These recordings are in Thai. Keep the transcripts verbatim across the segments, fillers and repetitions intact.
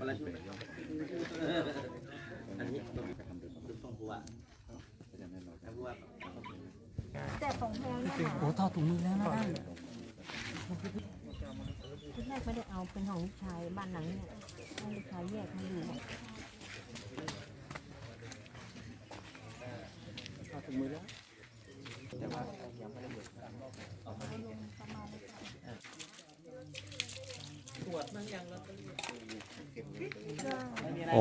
คนละชุดอันนี้ต้องบัวแต่ของแพงเนี่ยโอ้ถอดถุงมือแล้วนะนั่นชุดแรกไม่ได้เอาเป็นของลูกชายบ้านหลังเนี่ยให้ลูกชายแยกมาอยู่ถอดถุงมือแล้วแต่ว่ายังไม่ได้เบิกโอ้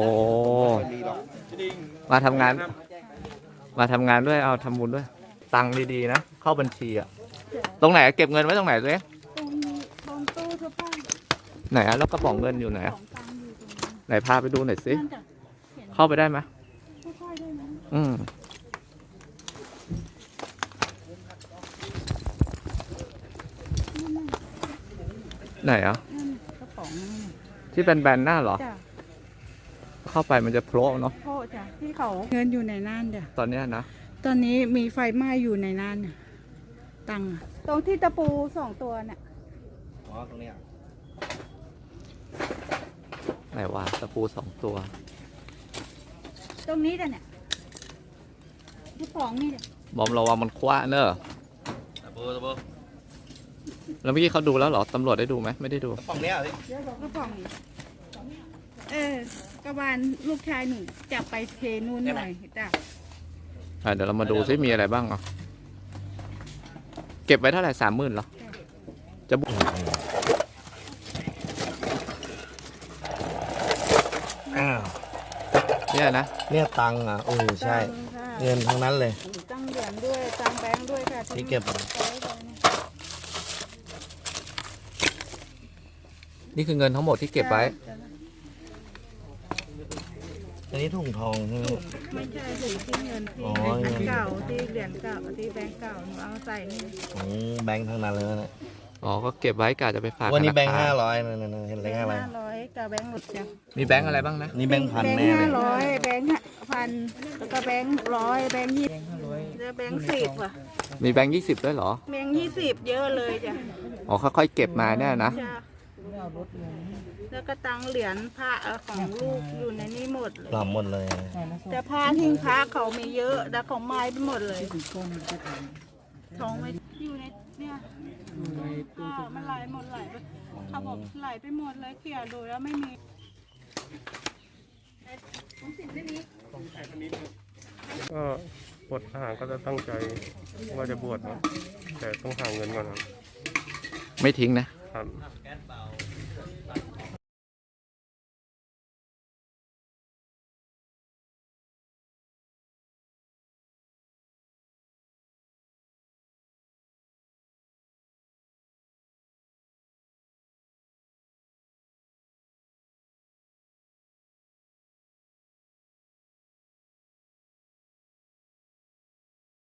มาทำงาน มาทำงานด้วยเอาทำบุญด้วย ตังค์ดีๆนะเข้าบัญชีอะตรงไหนเก็บเงินไว้ตรงไหนเลยตรงตรงตู้เสื้อผ้าไหนอะแล้วกระป๋องเงินอยู่ไหนขอะองตังอยู่ตรงนี้ไหนพาไปดูหน่อยสินั่นจ้ะเห็นเข้าไปได้ไหมค่อยๆได้ไหมอืมไหนอะนั่นกระป๋องนั่นน่ะที่เป็นแบนหน้าเหรอจ้ะเข้าไปมันจะโผล่เนาะโทษจ้ะที่เขาเงินอยู่ในนั่นจ้ะตอนเนี้ยนะตอนนี้มีไฟไหม้อยู่ในนั่นน่ะตังค์อะตรงที่ตะปูสองตัวน่ะอ๋อตรงนี้ไหนวะตะปูสองตัวตรงนี้จ้ะเนี่ยกระป๋องนี่จ้ะบอมระวังมันคว้าเนอะตะโบตะโบแล้วเมื่อกี้เขาดูแล้วเหรอตำรวจได้ดูไหมไม่ได้ดูกระป๋องเนี้ยสิเดี๋ยวบอกกระป๋องนี่เออ กระบาลลูกชายหนูจับไปเทนู่นหน่อยจ้ะอ่ะเดี๋ยวเรามาดูซิมีอะไรบ้างอ่ะเก็บไว้เท่าไหร่สามหมื่นเหรอจะบุอ้าวเนี่ยนะเนี่ยตังค์อ่ะโอ้ใช่ เงินทั้งนั้นเลยตั้งเหรียญด้วยตั้งแบงค์ด้วยค่ะที่เก็บนี่คือเงินทั้งหมดที่เก็บไว้อันนี้ถุงทองใช่ไหมไม่ใช่ถุงที่เงินที่อ๋ออันเก่าที่เหรียญเก่าที่แบงค์เก่าหนูเอาใส่นี่อืมแบงค์ทั้งนั้นเลยนะอ๋อก็เก็บไว้กะจะไปฝากวันนี้ธแบงค์ครห้าร้อยนั่นๆเห็นแบเลงขค์อะไรห้าร้อยกับแบงค์หลุดจ้ะมีแบงค์อะไรบ้างนะนี่แบงค์พันแบงแน่ค์เลห้าย ร้อยแบงค์พันแล้วก็แบงค์ร้อยแบงค์ยี่สิบแล้วแบงค์สิบว่ะมีแบงค์ยี่สิบด้วยเหรอแบงค์ยี่สิบเยอะเลยจ้ะอ๋อค่อยๆเก็บมาเนี่ยนะจ้ะแล้วก็ตังเหรียญพระของลูกอยู่ในนี้หมดเลยปรับหมดเลยแต่พระทิ้งพระเขามีเยอะแต่ของไม้ไปหมดเลยทองไม่อยู่ในเนี่ยอ่ามันไหลหมดไหลไปเขาบอกไหลไปหมดเลยเขี่ยดูแล้วไม่มีผมสินไม่มีก็บวชทหารก็จะตั้งใจว่าจะบวชนะแต่ต้องหาเงินก่อนครับไม่ทิ้งนะครับ